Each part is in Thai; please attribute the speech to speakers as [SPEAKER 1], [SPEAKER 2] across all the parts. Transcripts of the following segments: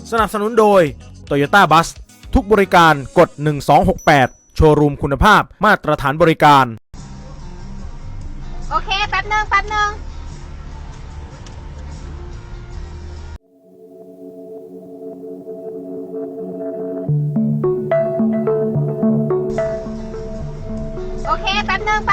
[SPEAKER 1] สนับสนุนโดย Toyota Bus ทุกบริการกด1268โชว์รูมคุณภาพมาตรฐานบริการ
[SPEAKER 2] โอเคแป๊บนึงโอเคแป๊บนึง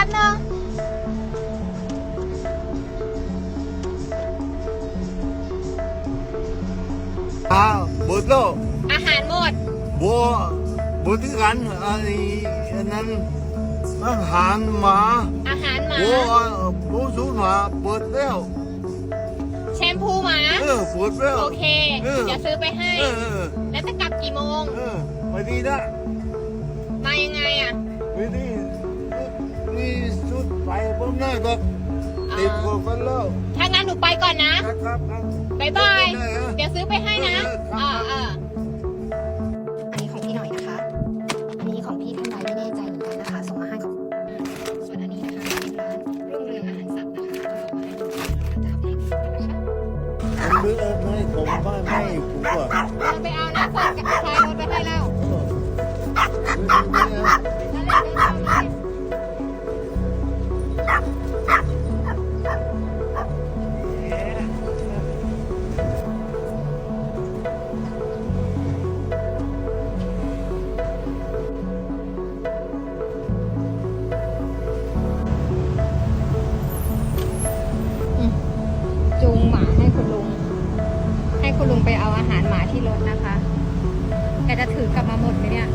[SPEAKER 3] หมดแล้ว
[SPEAKER 2] อาหารหมด
[SPEAKER 3] บัวที่กันอันนั้นอาหารหมา
[SPEAKER 2] อาหารหมา
[SPEAKER 3] บัวสูงหมาเปิดแล้ว
[SPEAKER 2] แชมพูหมา
[SPEAKER 3] เปิดแล้ว
[SPEAKER 2] โอเคเดี๋ยวซื้อไปให้แล้วจะกลับกี่โมง
[SPEAKER 3] ไปดีนะ
[SPEAKER 2] มายังไงอ่ะ
[SPEAKER 3] ไปดีนี่สุดไปผมหน้าก็ติดกันแล้ว
[SPEAKER 2] ถ้างั้นหนูไปก่อนนะครับ บ๊ายบายเดี๋ยวซื้อไปให้นะ
[SPEAKER 4] อันนี้ของพี่หน่อยนะคะ อันนี้ของพี่ท่านใดไม่แน่ใจเหมือนกันนะคะ ส่งมาให้ของส่วนอันนี้นะคะเป็นร้านรุ่งเรืองอาหารสัตว์นะคะก็ส่งมาให้ดูจะเอาไปให้ดูนะคะ
[SPEAKER 3] ไม่ผมไม่ผมว่า
[SPEAKER 2] เราไปเอานะส่งกับชายรถไปให้แล้วจูงหมาให้คุณลุงไปเอาอาหารหมาที่รถนะคะแกจะถือกลับมาหมดไหมเนี่ย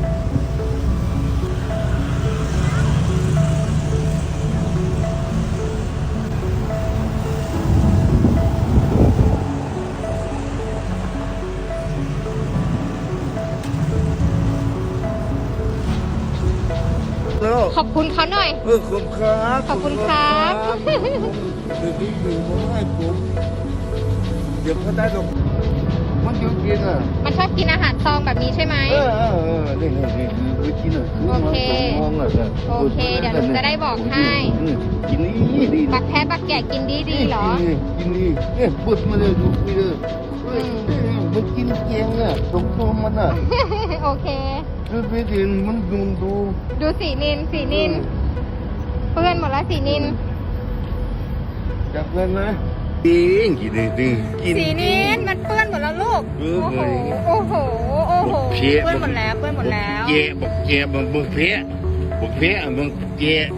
[SPEAKER 2] ขอบคุณเขาหน่อย
[SPEAKER 3] ขอบคุณครับ
[SPEAKER 2] ขอบคุณครับ
[SPEAKER 3] ผมให้ผมเดี๋ยวเขาได้ตรงมันชอบกิน
[SPEAKER 2] มันชอบกินอาหารซองแบบนี้ใช่ไหม
[SPEAKER 3] นี่ไปกิน
[SPEAKER 2] โอเคเดี๋ยวหนูจะได้บอกให้
[SPEAKER 3] กินดี
[SPEAKER 2] บักแพ้บักแกะกินดีเหรอ
[SPEAKER 3] กินดีเนี่ยปุ๊บมาเลยดูไปเลยมันกินเกียงตรงตัวมัน
[SPEAKER 2] โอเค
[SPEAKER 3] ไปดินมันดู
[SPEAKER 2] สีนินเปื้อนหมดแล้วสีนิน
[SPEAKER 3] จับเงินนะกิน
[SPEAKER 2] สีนินมันเปื้อนหมดแล้วลูกโอ้โหเปื้อนหมดแล้ว
[SPEAKER 3] เจี๊ยบอกเพี้ยบอกเจี๊ย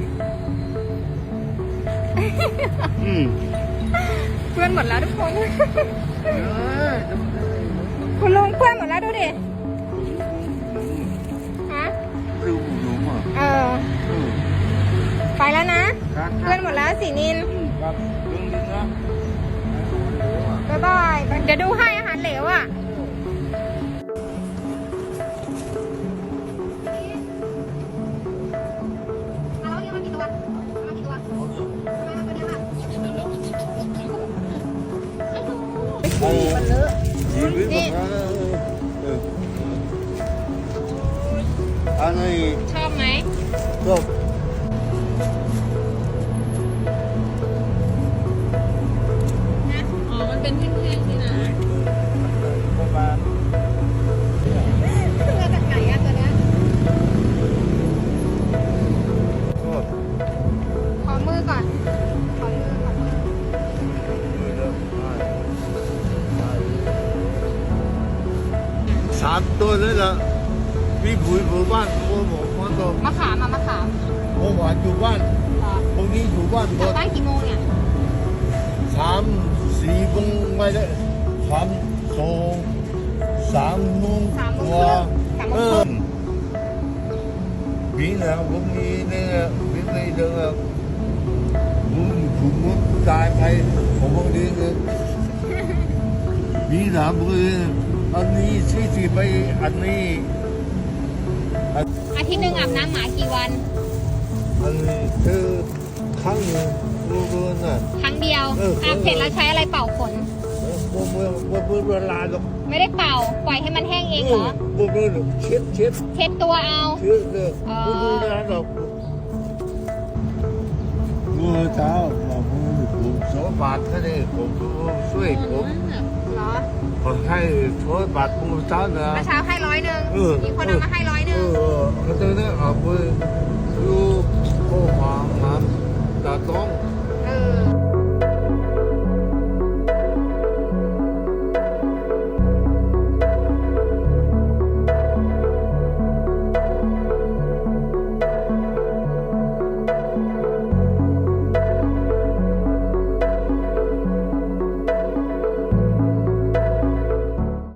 [SPEAKER 2] เปื้อนหมดแล้วทุกคนคุณลุงเปื้อนหมดแล้วดูดิฮะไปแล้วนะเพื่อนหมดแล้วสีนินบ๊ายบายเดี๋ยวดูให้อาหารเหลวนี่ชอบไหม
[SPEAKER 3] ชอบ
[SPEAKER 2] มันเป็นแท่งๆสินะมาจากไหนอะตัวเนี้ยขอมือก่อน
[SPEAKER 3] 3 ตัวเลยล่ะพี่ปุ๋ยผมบ้านผมก็
[SPEAKER 2] มะขาม
[SPEAKER 3] ผมหวานอยู่บ้านพวกนี้อยู่บ้านหม
[SPEAKER 2] กลับ
[SPEAKER 3] ด
[SPEAKER 2] บ้านกี่โมงเนี่ย
[SPEAKER 3] 3-4 โมงไปเลย3 โมงกว่าปีนะผมมีเนี่ยปีนี้เดือนผมถูกมุดตายไปผมพวกนี้เลยปีนะผมอันนี้ที่ไปอันนี้
[SPEAKER 2] อาทิตย์หนึ่งอาบน้ำหมากี่วัน
[SPEAKER 3] อันนี้คือครั้งหนึ่งรู้น่ะ
[SPEAKER 2] ครั้งเดียวอาบเสร็จแล้วใช้อะไรเป่าขน
[SPEAKER 3] เวลาหรอก
[SPEAKER 2] ไม่ได้เป่าปล่อยให้มันแห้งเองเหรอ
[SPEAKER 3] เช็ด
[SPEAKER 2] ตัวเอา
[SPEAKER 3] เช็ดเลยเวลาหรอกเมื่อเช้าผม2 บาทแค่นี้ผมช่วยผม
[SPEAKER 2] เหรอ
[SPEAKER 3] ขอให้โทษบัตรผู้สาวนะ
[SPEAKER 2] เมื่อเช้าให้100
[SPEAKER 3] เออ
[SPEAKER 2] มีคนเอามาให้100
[SPEAKER 3] เขาจะได้เอาไปดู